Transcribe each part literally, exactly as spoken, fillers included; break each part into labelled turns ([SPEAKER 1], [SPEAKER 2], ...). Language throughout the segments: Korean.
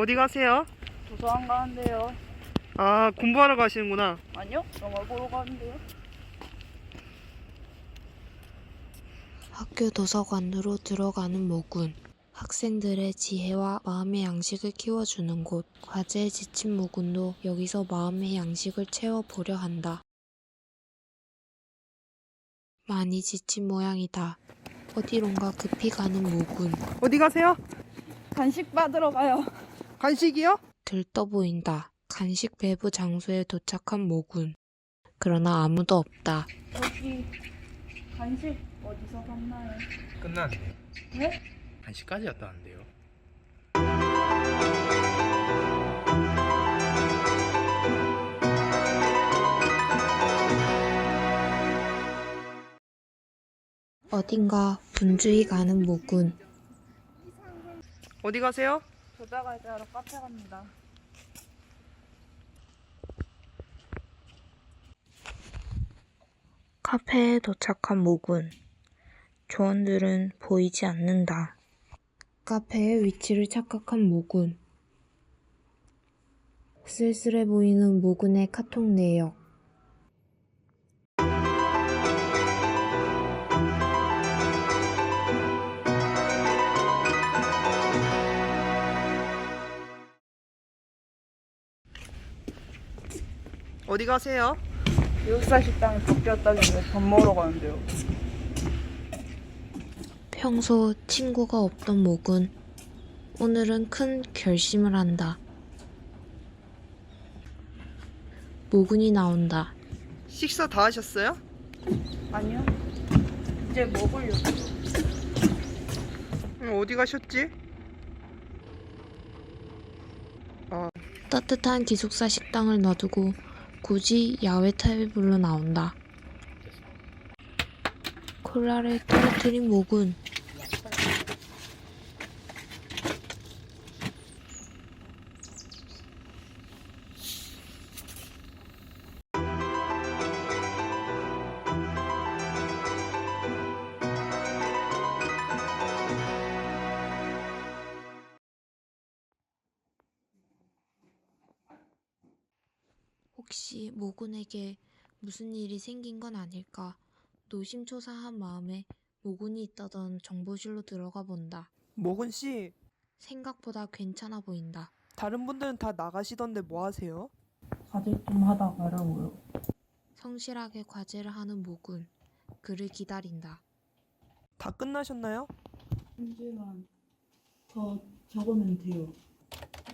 [SPEAKER 1] 어디 가세요?
[SPEAKER 2] 도서관 가는데요.
[SPEAKER 1] 아, 공부하러 가시는구나.
[SPEAKER 2] 아니요, 영화 보러 가는데요.
[SPEAKER 3] 학교 도서관으로 들어가는 모군. 학생들의 지혜와 마음의 양식을 키워주는 곳. 과제에 지친 모군도 여기서 마음의 양식을 채워보려 한다. 많이 지친 모양이다. 어디론가 급히 가는 모군.
[SPEAKER 1] 어디 가세요?
[SPEAKER 2] 간식 받으러 가요.
[SPEAKER 1] 간식이요?
[SPEAKER 3] 들떠 보인다. 간식 배부 장소에 도착한 모군. 그러나 아무도 없다.
[SPEAKER 2] 여기 간식 어디서 샀나요?
[SPEAKER 4] 끝났는데요.
[SPEAKER 2] 네?
[SPEAKER 4] 한시까지였다는데요.
[SPEAKER 3] 어딘가 분주히 가는 모군.
[SPEAKER 1] 어디 가세요?
[SPEAKER 2] 조다갈지 하러 카페 갑니다.
[SPEAKER 3] 카페에 도착한 모군. 조원들은 보이지 않는다. 카페의 위치를 착각한 모군. 쓸쓸해 보이는 모군의 카톡 내역.
[SPEAKER 1] 어디 가세요?
[SPEAKER 2] 기숙사 식당이 바뀌었다길래 밥 먹으러 가는데요.
[SPEAKER 3] 평소 친구가 없던 모군. 오늘은 큰 결심을 한다. 모군이 나온다.
[SPEAKER 1] 식사 다 하셨어요?
[SPEAKER 2] 아니요, 이제 먹으려고요.
[SPEAKER 1] 음, 어디 가셨지?
[SPEAKER 3] 따뜻한 기숙사 식당을 놔두고 굳이 야외 테이블로 나온다. 콜라를 떨어뜨린 모군. 혹시 모군에게 무슨 일이 생긴 건 아닐까 노심초사한 마음에 모군이 있다던 정보실로 들어가 본다.
[SPEAKER 1] 모근 씨,
[SPEAKER 3] 생각보다 괜찮아 보인다.
[SPEAKER 1] 다른 분들은 다 나가시던데 뭐 하세요?
[SPEAKER 2] 과제 좀 하다 가려고요.
[SPEAKER 3] 성실하게 과제를 하는 모군. 그를 기다린다.
[SPEAKER 1] 다 끝나셨나요?
[SPEAKER 2] 잠시만 더 적으면 돼요.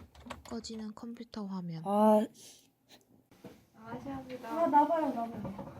[SPEAKER 3] 꺼지는 컴퓨터 화면.
[SPEAKER 2] 아, 아 나봐요, 나봐요.